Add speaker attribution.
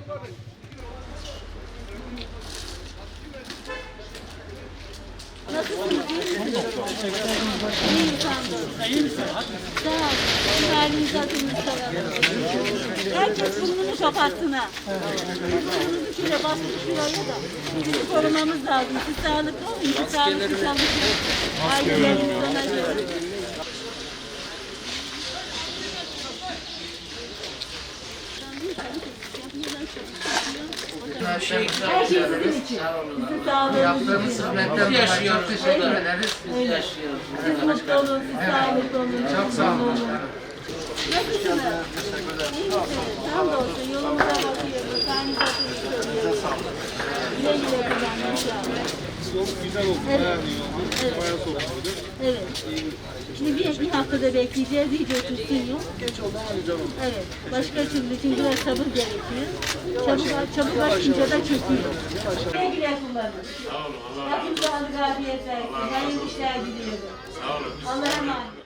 Speaker 1: Nasılsınız? İyi sandın. İyi misin? Sağ ol. Halinizi hatırınızı soralım. Herkes burnunu kapatsın ha. Burnunuzu şöyle bastık şuraya da. Bizi korumamız lazım. Siz sağlıklı olun. Siz sağlıklı çalışın. Aileleriniz ona göre.
Speaker 2: Her şey
Speaker 1: Her şey sizin için. Sizin sağlığınız
Speaker 2: yaptığımız
Speaker 1: için.
Speaker 2: hizmetten dolayı çok teşekkür ederiz.
Speaker 1: Öyle.
Speaker 2: Yaşıyoruz.
Speaker 1: Siz mutlu olun, siz sağlıklı olun.
Speaker 2: Çok sağ olun.
Speaker 1: Nasılsınız? İyi misiniz? Hamdolsun yolumuza bakıyoruz. Halinize hatırlıyoruz. Güle güle kullanın inşallah.
Speaker 3: Yol güzel oldu, bayağı iyi oldu.
Speaker 1: Evet.
Speaker 3: Bayağı soğuk oldu.
Speaker 1: Evet. Şimdi bir haftada bekleyeceğiz. İyice otursun yol.
Speaker 3: Geç oldu ama güzel oldu.
Speaker 1: Evet. Başka türlü çünkü biraz sabır gerekiyor. Çabuk açınca da çöküyor. Güle güle kullanın. Sağ olun. Rabbim sağlık, afiyet versin. Hayırlı işler diliyorum. Sağ olun. Allah'a emanet.